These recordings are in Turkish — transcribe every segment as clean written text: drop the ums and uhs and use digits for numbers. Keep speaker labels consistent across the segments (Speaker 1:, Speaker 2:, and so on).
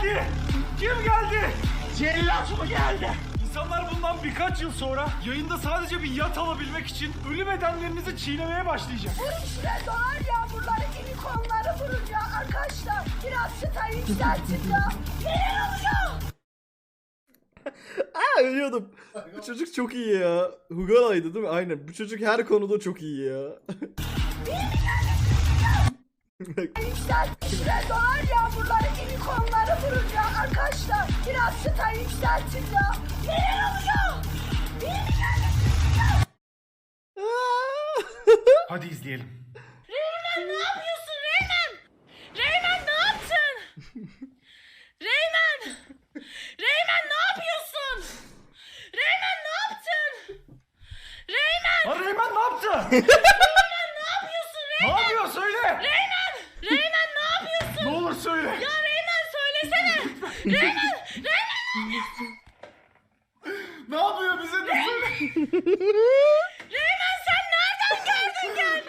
Speaker 1: geldi? Kim geldi? Cellat mı geldi? İnsanlar bundan birkaç yıl sonra yayında sadece bir yat alabilmek için ölü bedenlerinizi çiğnemeye başlayacak.
Speaker 2: Bu işte dolar yağmurları, unicornları vurun ya arkadaşlar. Biraz çıtayı yükseltin ya. Neler oluyor?
Speaker 3: Ölüyordum. Bu çocuk çok iyi ya. Hugo'ydı değil mi? Aynen. Bu çocuk her konuda çok iyi ya.
Speaker 2: Yükseltin dolar yağmurları, unicornları vurun ya arkadaşlar. Biraz çıtayı yükseltin ya. Neler oluyor?
Speaker 1: Hadi izleyelim.
Speaker 4: Reymen ne yapıyorsun Reymen? Reymen ne yaptın? Reymen! Reymen ne yapıyorsun? Reymen ne yaptın? Reymen!
Speaker 1: Lan Reymen ne yaptı?
Speaker 4: Reymen ne yapıyorsun
Speaker 1: Ne
Speaker 4: Reymen?
Speaker 1: yapıyor söyle.
Speaker 4: Reymen! Reymen ne yapıyorsun?
Speaker 1: Ne olur söyle.
Speaker 4: Ya Reymen söylesene! Reymen! Reymen!
Speaker 1: Ne yapıyor bize de söyle.
Speaker 4: Reymen sen nereden geldin?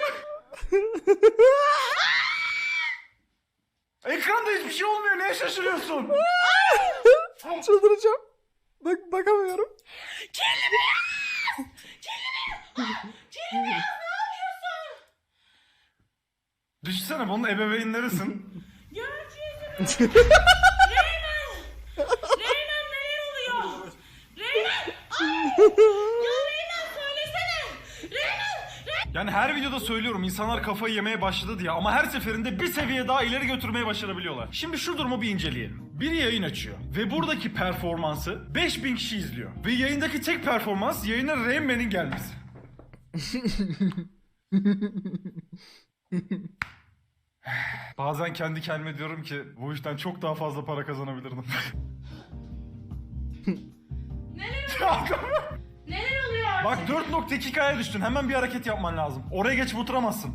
Speaker 1: Ekranda hiçbir şey olmuyor. Neye şaşırıyorsun?
Speaker 3: Çıldıracağım. Bak bakamıyorum.
Speaker 4: Kirli beyaz! Kirli beyaz! Kirli beyaz ne yapıyorsun?
Speaker 1: Düşünsene bunun ebeveynlerisin.
Speaker 4: Görüntü yüzünü. Reymen! Reymen neler oluyor? Reymen! Ay! Ya Reymen söylesene! Reymen!
Speaker 1: Yani her videoda söylüyorum insanlar kafayı yemeye başladı diye ama her seferinde bir seviye daha ileri götürmeyi başarabiliyorlar. Şimdi şu durumu bir inceleyelim. Biri yayın açıyor ve buradaki performansı 5000 kişi izliyor. Ve yayındaki tek performans yayına Rain Man'in gelmesi. Bazen kendi kendime diyorum ki bu işten çok daha fazla para kazanabilirdim.
Speaker 4: Neler oluyor?
Speaker 1: Bak 4.2K'ya düştün. Hemen bir hareket yapman lazım. Oraya geçip oturamazsın.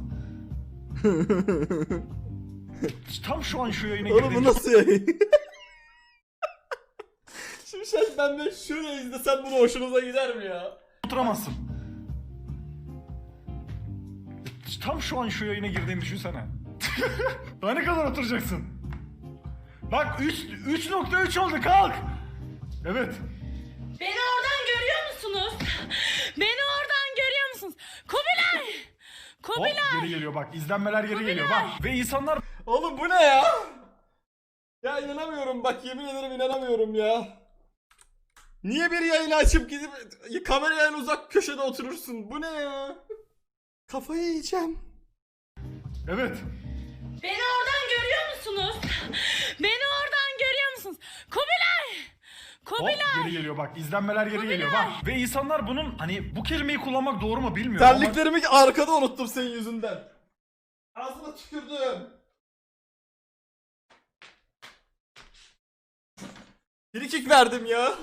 Speaker 1: Tam şu an şu yayına
Speaker 3: Oğlum bu
Speaker 1: girdiğim
Speaker 3: nasıl yayın? Şimdi ben de şuraya izlesem bunu hoşunuza gider mi ya?
Speaker 1: oturamazsın. Tam şu an şu yayına girdiğini düşünsene. Daha ne kadar oturacaksın? Bak 3.3 oldu kalk. Evet.
Speaker 4: Beni oradan görüyor musunuz? Beni oradan görüyor musunuz? Kubilay!
Speaker 1: Hop
Speaker 4: Kubilay!
Speaker 1: geri geliyor bak. İzlenmeler geri geliyor bak. Ve insanlar
Speaker 3: Oğlum bu ne ya? Ya inanamıyorum bak yemin ederim inanamıyorum ya. Niye bir yayını açıp gidip kameraya en uzak köşede oturursun? Bu ne ya? Kafayı yiyeceğim.
Speaker 1: evet.
Speaker 4: Beni oradan görüyor musunuz? Beni oradan görüyor musunuz? Kubilay!
Speaker 1: Hop
Speaker 4: Kubilay!
Speaker 1: geri geliyor bak. İzlenmeler geri geliyor bak. Ve insanlar bunun hani bu kelimeyi kullanmak doğru mu bilmiyorum ama
Speaker 3: Terliklerimi arkada unuttum senin yüzünden. Ağzına tükürdüm. Frikik verdim ya.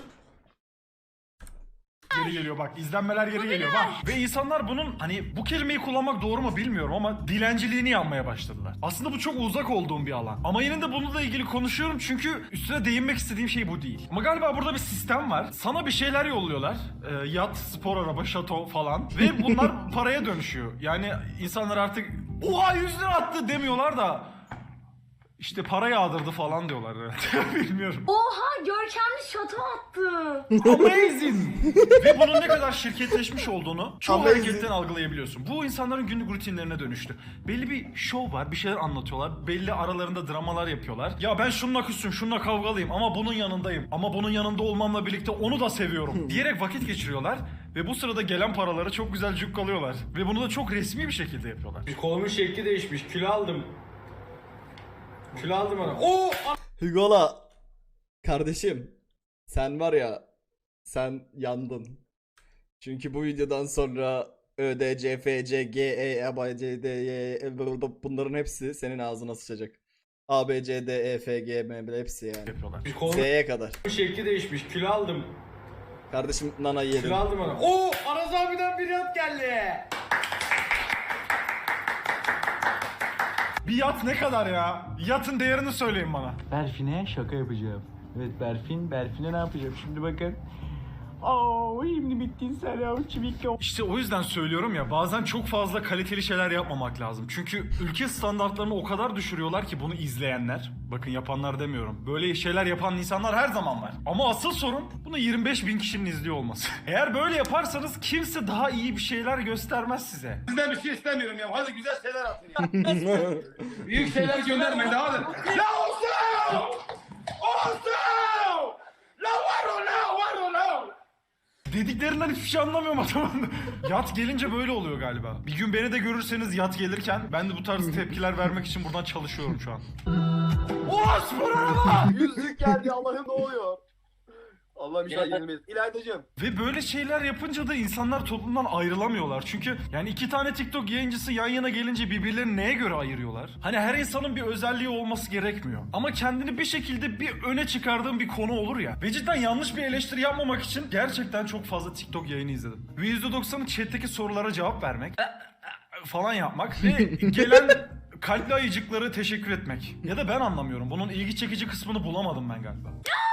Speaker 1: geri geliyor bak. İzlenmeler geri geliyor bak. Ve insanlar bunun hani bu kelimeyi kullanmak doğru mu bilmiyorum ama dilenciliğini yapmaya başladılar. Aslında bu çok uzak olduğum bir alan. Ama yine de bununla ilgili konuşuyorum çünkü üstüne değinmek istediğim şey bu değil. Ama galiba burada bir sistem var. Sana bir şeyler yolluyorlar. Yat, spor araba, şato falan. Ve bunlar paraya dönüşüyor. Yani insanlar artık oha 100 lira attı demiyorlar da işte para yağdırdı falan diyorlar herhalde. Bilmiyorum.
Speaker 2: Oha görkemli şato attı.
Speaker 1: Amazing! Ve bunun ne kadar şirketleşmiş olduğunu çoğu
Speaker 3: Amazing.
Speaker 1: hareketten algılayabiliyorsun. Bu insanların günlük rutinlerine dönüştü. Belli bir şov var, bir şeyler anlatıyorlar. Belli aralarında dramalar yapıyorlar. Ya ben şununla küssüm, şununla kavgalıyım ama bunun yanındayım. Ama bunun yanında olmamla birlikte onu da seviyorum diyerek vakit geçiriyorlar. Ve bu sırada gelen paraları çok güzel cukkalıyorlar. Ve bunu da çok resmi bir şekilde yapıyorlar.
Speaker 5: Kolumun şekli değişmiş. Kilo aldım. Kilo aldım ona. Oo!
Speaker 3: Hugo'la kardeşim sen var ya sen yandın. Çünkü bu videodan sonra ÖDC, FC, GE, ABCD, bunların hepsi senin ağzına sıçacak. A, B, C, D, E, F, G, M, hepsi yani.
Speaker 1: Yapıyorlar.
Speaker 5: Kolumun
Speaker 3: Z'ye kadar.
Speaker 5: şekli değişmiş. Kilo aldım.
Speaker 3: Kardeşim nanayı yedim.
Speaker 5: Kilo aldım ona. Oo! Aras abiden bir yat geldi.
Speaker 1: Bir yat ne kadar ya? Yatın değerini söyleyin bana.
Speaker 6: Berfin'e şaka yapacağım. Evet Berfin'e ne yapacağım? Şimdi bakın.
Speaker 1: İşte o yüzden söylüyorum ya, bazen çok fazla kaliteli şeyler yapmamak lazım. Çünkü ülke standartlarını o kadar düşürüyorlar ki bunu izleyenler. Bakın yapanlar demiyorum. Böyle şeyler yapan insanlar her zaman var. Ama asıl sorun bunu 25.000 kişinin izliyor olması. Eğer böyle yaparsanız kimse daha iyi bir şeyler göstermez size.
Speaker 6: Sizden bir şey istemiyorum ya. Hadi güzel şeyler atın ya. Büyük şeyler göndermeyin hadi. La olsun! Olsun! La var o la!
Speaker 1: Dediklerinden hiçbir şey anlamıyorum adamın. Yat gelince böyle oluyor galiba. Bir gün beni de görürseniz yat gelirken ben de bu tarz tepkiler vermek için buradan çalışıyorum şu an.
Speaker 6: Yüzlük geldi Allah'ım ne oluyor? Allah'ım inşallah yenilmeyiz. İlaydacığım.
Speaker 1: Ve böyle şeyler yapınca da insanlar toplumdan ayrılamıyorlar. Çünkü yani iki tane TikTok yayıncısı yan yana gelince birbirlerini neye göre ayırıyorlar? Hani her insanın bir özelliği olması gerekmiyor. Ama kendini bir şekilde bir öne çıkardığın bir konu olur ya. Ve cidden yanlış bir eleştiri yapmamak için gerçekten çok fazla TikTok yayını izledim. Ve %90'ı chat'teki sorulara cevap vermek falan yapmak ve gelen kalpli ayıcıkları teşekkür etmek. Ya da ben anlamıyorum. Bunun ilgi çekici kısmını bulamadım ben galiba.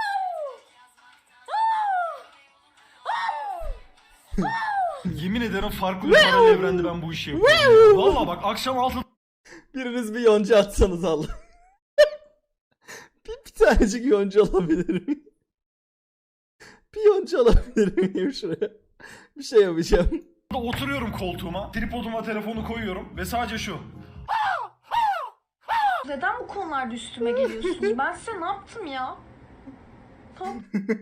Speaker 1: Yemin ederim farklı bir paralel evrende ben bu işi yapıyorum. Valla bak akşam 6.
Speaker 3: Biriniz bir yonca atsanız Allah. bir tanecik yonca alabilir miyim? Bir yonca alabilir miyim şuraya? Bir şey yapacağım.
Speaker 1: Oturuyorum koltuğuma, tripoduma telefonu koyuyorum ve sadece şu.
Speaker 7: Neden bu konularda üstüme geliyorsunuz? Ben size ne yaptım ya? Tamam.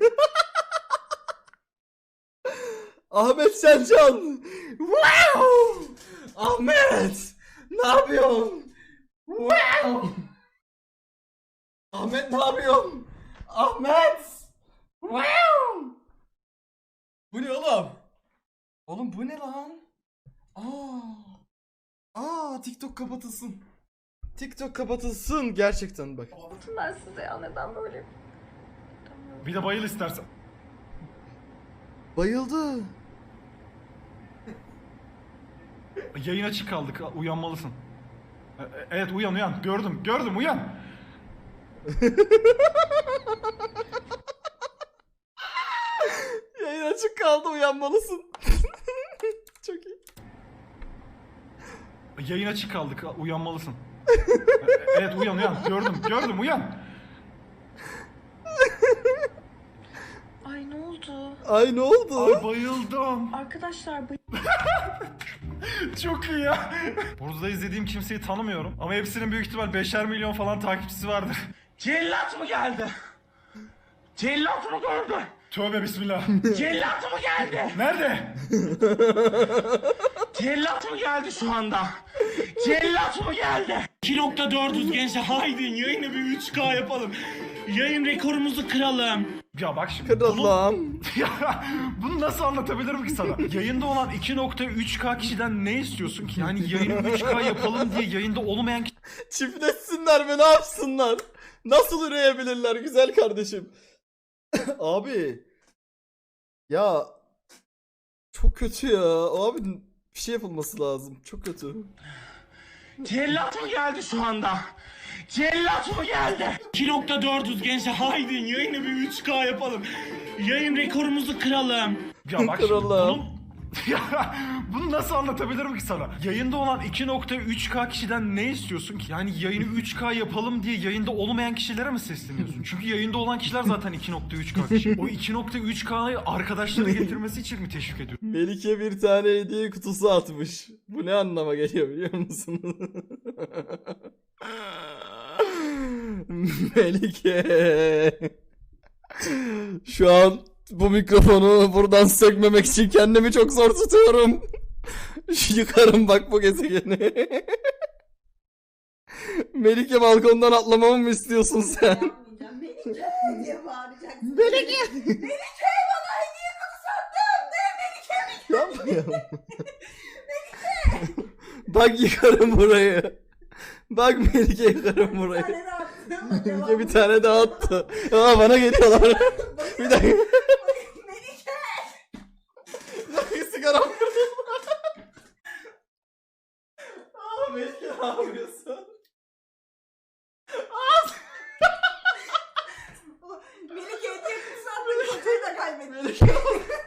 Speaker 3: Ahmet Sencan. Wow! Ahmet! Ne yapıyorsun? Wow! Ahmet ne yapıyorsun? Ahmet! Wow! Bu ne oğlum? Oğlum bu ne lan? TikTok kapatılsın. TikTok kapatılsın gerçekten bak.
Speaker 7: Ben size ya neden böyle?
Speaker 1: Bir de bayıl istersen.
Speaker 3: Bayıldı.
Speaker 1: Yayın açık kaldık, uyanmalısın. Evet uyan. Gördüm uyan.
Speaker 3: Yayın açık kaldı uyanmalısın. Çok iyi.
Speaker 1: Yayın açık kaldık, uyanmalısın. Evet uyan. Gördüm uyan.
Speaker 7: Ay ne oldu?
Speaker 3: Ay ne oldu?
Speaker 1: Ay bayıldım.
Speaker 7: Arkadaşlar
Speaker 1: Çok iyi ya. Burada izlediğim kimseyi tanımıyorum. Ama hepsinin büyük ihtimal 5'er milyon falan takipçisi vardır.
Speaker 6: Cellat mı geldi? Cellat mı geldi?
Speaker 1: Tövbe bismillah.
Speaker 6: Cellat mı geldi?
Speaker 1: Nerede?
Speaker 6: Cellat mı geldi şu anda? Cellat mı geldi? 2.400 gençler haydi yayını bir 3K yapalım. Yayın rekorumuzu kıralım.
Speaker 1: Ya bak şimdi.
Speaker 3: Kırılan.
Speaker 1: Ya bunu nasıl anlatabilirim ki sana? Yayında olan 2.3K kişiden ne istiyorsun ki? Yani yayını 3K yapalım diye yayında olmayan
Speaker 3: Çiftleşsinler mi ne yapsınlar? Nasıl üreyebilirler güzel kardeşim? Abi. Ya. Çok kötü ya. Abi bir şey yapılması lazım. Çok kötü.
Speaker 6: Cellat mı geldi şu anda? Cellat mı geldi? 2.400 gençler haydi yayını bir 3K yapalım. Yayın rekorumuzu kıralım.
Speaker 1: Ya bak şimdi
Speaker 3: Kralım.
Speaker 1: ya bunu nasıl anlatabilirim ki sana? Yayında olan 2.3K kişiden ne istiyorsun ki? Yani yayını 3K yapalım diye yayında olmayan kişilere mi sesleniyorsun? Çünkü yayında olan kişiler zaten 2.3K kişi. O 2.3K'yı arkadaşları getirmesi için mi teşvik ediyorsun?
Speaker 3: Melike bir tane hediye kutusu atmış. Bu ne anlama geliyor biliyor musunuz? Melike. Şu an bu mikrofonu buradan sökmemek için kendimi çok zor tutuyorum. Yıkarım bak bu gezegeni. Melike balkondan atlamamı mı istiyorsun sen?
Speaker 2: Melike diye bağıracaksın.
Speaker 3: Melike.
Speaker 2: Melike bana hediye kutusu attın. Ne Melike?
Speaker 3: Yapma ya. Bak yıkarım burayı. Bak Melike yıkarım burayı.
Speaker 2: Bir tane daha attım.
Speaker 3: Melike bir tane daha attı. Aa bana geliyorlar. Bir dakika.
Speaker 2: Melike.
Speaker 3: Bir dakika sigaram kırıldı. Aa Melike ne yapıyorsun?
Speaker 2: Melike hediye kutusu attın. Kutuyu da kaybettin.
Speaker 3: Melike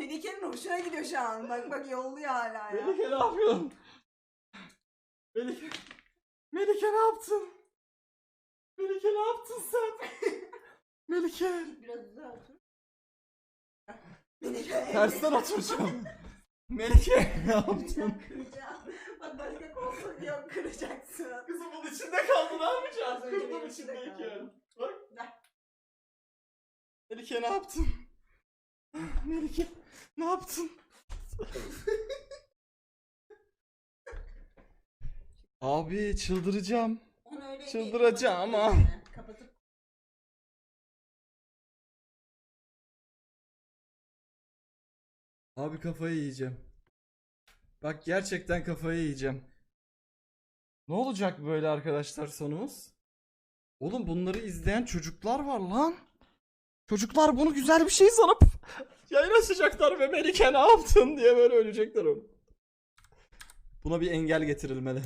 Speaker 2: Melike'nin hoşuna gidiyor şu an. Bak bak yolluyor hala ya.
Speaker 3: Melike ne yapıyorsun? Melike. Melike ne yaptın? Melike ne yaptın sen? Melike.
Speaker 2: Biraz daha otur. Melike.
Speaker 3: Tersten oturacağım. Melike ne yaptın?
Speaker 2: Kıracağım. Bak başka koltuk yok, kıracaksın.
Speaker 3: Kızım bunun içinde kaldı, ne yapacağız?
Speaker 2: Az önce
Speaker 3: Kurdun
Speaker 2: benim içinde
Speaker 3: içindeyken.
Speaker 2: kaldı.
Speaker 3: Bak.
Speaker 2: Ver.
Speaker 3: Melike ne yaptın? Melike ne yaptın? Abi çıldıracağım.
Speaker 2: Onu öyle
Speaker 3: Çıldıracağım
Speaker 2: kapatıp
Speaker 3: ama.
Speaker 2: gözünü kapatıp
Speaker 3: Abi kafayı yiyeceğim. Bak gerçekten kafayı yiyeceğim. Ne olacak böyle arkadaşlar sonumuz? Oğlum bunları izleyen çocuklar var lan. Çocuklar bunu güzel bir şey sanıp yayın açacaklar ve Melike ne yaptın diye böyle ölecekler oğlum. Buna bir engel getirilmeli.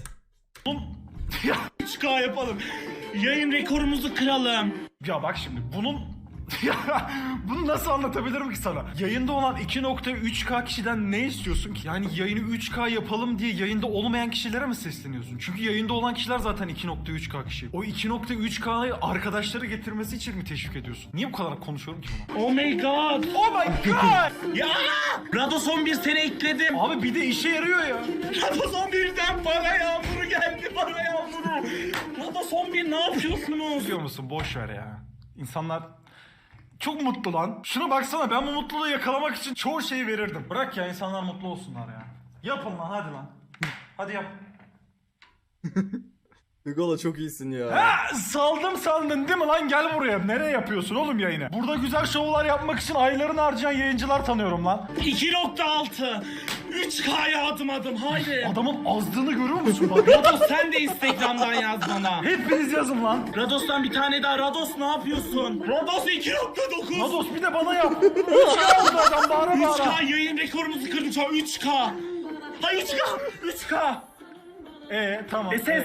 Speaker 5: 3K yapalım. Yayın rekorumuzu kıralım.
Speaker 1: Ya bak şimdi bunun bunu nasıl anlatabilirim ki sana? Yayında olan 2.3K kişiden ne istiyorsun ki? Yani yayını 3K yapalım diye yayında olmayan kişilere mi sesleniyorsun? Çünkü yayında olan kişiler zaten 2.3K kişi. O 2.3K'yı arkadaşları getirmesi için mi teşvik ediyorsun? Niye bu kadar konuşuyorum ki buna?
Speaker 5: Oh my god.
Speaker 1: Oh my god!
Speaker 5: Ya! Rados 11 sene ekledim.
Speaker 1: Abi bir de işe yarıyor ya.
Speaker 5: Rados 11'den para yağmuru geldi, para yağmuru. Rados 11 ne yapıyorsunuz?
Speaker 1: Biliyor musun? Boş ver ya. İnsanlar çok mutlu lan. Şuna baksana, ben bu mutluluğu yakalamak için çoğu şeyi verirdim. Bırak ya, insanlar mutlu olsunlar ya. Yapın lan, hadi lan. Hadi yap.
Speaker 3: Hugo'la çok iyisin ya.
Speaker 1: Ha, saldım sandın değil mi lan? Gel buraya. Nereye yapıyorsun oğlum yayını? Burada güzel şovlar yapmak için aylarını harcayan yayıncılar tanıyorum lan.
Speaker 5: 2.6 3K'ya adım adım haydi.
Speaker 1: Adamın azdığını görüyor musun bak?
Speaker 5: Rados sen de Instagram'dan yaz bana.
Speaker 1: Hepiniz yazın lan.
Speaker 5: Rados'tan bir tane daha. Rados ne yapıyorsun? Rados 2.9.
Speaker 1: Nados bir de bana yap. 3K oldu adam, bağıra bağıra.
Speaker 5: 3K yayın rekorumuzu kırdık şu an 3K. Ha 3K.
Speaker 1: 3K. Tamam.
Speaker 5: SS.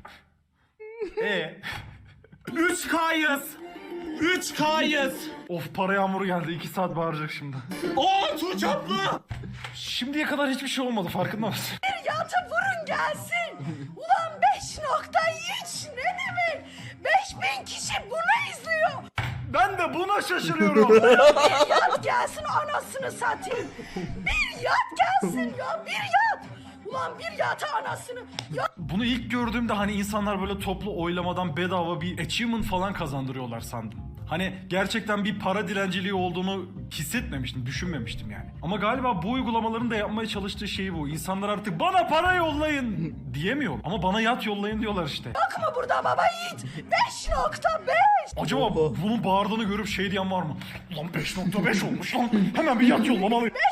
Speaker 5: 3K'yız. 3K'yız.
Speaker 1: Of, para yağmuru geldi. 2 saat bağıracak şimdi.
Speaker 5: Oo Tuğçe abla.
Speaker 1: Şimdiye kadar hiçbir şey olmadı, farkında mısın?
Speaker 2: yatı vurun gelsin. Ulan 5.3 ne demek? 5.000 kişi bunu izliyor.
Speaker 1: Ben de buna şaşırıyorum.
Speaker 2: Bir yat gelsin anasını satayım. Bir yat gelsin ya, bir yat. Ulan bir yata anasını. Ya
Speaker 1: Bunu ilk gördüğümde hani insanlar böyle toplu oylamadan bedava bir achievement falan kazandırıyorlar sandım. Hani gerçekten bir para dilenciliği olduğunu hissetmemiştim, düşünmemiştim yani. Ama galiba bu uygulamaların da yapmaya çalıştığı şey bu. İnsanlar artık bana para yollayın diyemiyor. Ama bana yat yollayın diyorlar işte.
Speaker 2: yok mu burada baba yiğit? 5.5.
Speaker 1: Acaba bunun bağırdığını görüp şey diyen var mı? Ulan 5.5 olmuş lan. Hemen bir yat yollamalı.
Speaker 2: 5.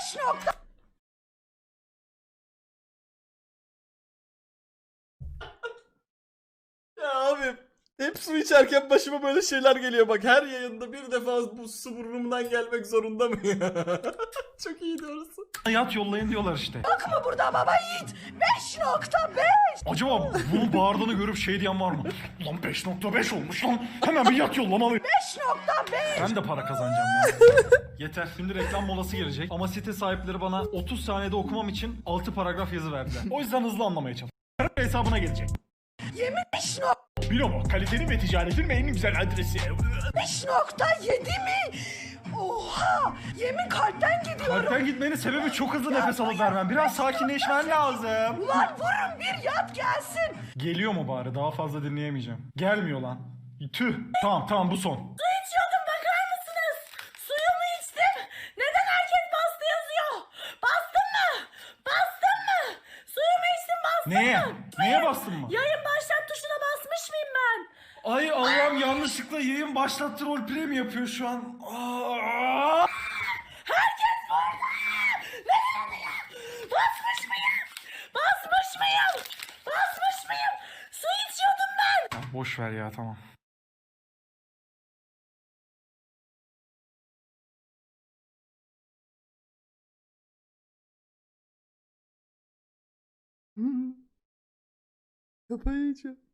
Speaker 3: Ya abi hep su içerken başıma böyle şeyler geliyor bak, her yayında bir defa bu su burnumdan gelmek zorunda mı ya? Çok iyi orası.
Speaker 1: Yat yollayın diyorlar işte.
Speaker 2: Yok mu burada baba yiğit? 5.5.
Speaker 1: Acaba bunun bağırdığını görüp şey diyen var mı? Ulan 5.5 olmuş lan. Hemen bir yat yollamalı.
Speaker 2: 5.5.
Speaker 1: Ben de para kazanacağım ya. Yeter. Şimdi reklam molası gelecek. Ama site sahipleri bana 30 saniyede okumam için 6 paragraf yazı verdiler. O yüzden hızlı anlamaya çalışıyorum. Hesabına gelecek.
Speaker 2: Yemin 5.7
Speaker 1: Binomo, kalitenin ve ticaretin en güzel adresi.
Speaker 2: mi? Oha! Yemin kalpten gidiyorum.
Speaker 1: Kalpten gitmenin sebebi çok hızlı nefes alıp vermem. Biraz sakinleşmen lazım.
Speaker 2: Ulan vurun bir yat gelsin.
Speaker 1: Geliyor mu bari? Daha fazla dinleyemeyeceğim. Gelmiyor lan. Tüh. Tamam bu son.
Speaker 4: Su içiyordum, bakar mısınız? Suyumu içtim. Neden herkes bastı yazıyor? Bastın mı? Bastın mı? Suyumu içtim, bastın
Speaker 1: Neye?
Speaker 4: mı?
Speaker 1: Neye bastın mı?
Speaker 4: Yayın başlat tuşuna basmış mıyım ben?
Speaker 1: Ay Allah'ım, yanlışlıkla yayın başlattı, roleplay mi yapıyor şu an? Aa!
Speaker 4: Herkes burada! Neden oluyor? Basmış mıyım? Basmış mıyım? Basmış mıyım? Su içiyordum ben.
Speaker 1: Ya boş ver ya, tamam.
Speaker 3: Kafayı yiyeceğim.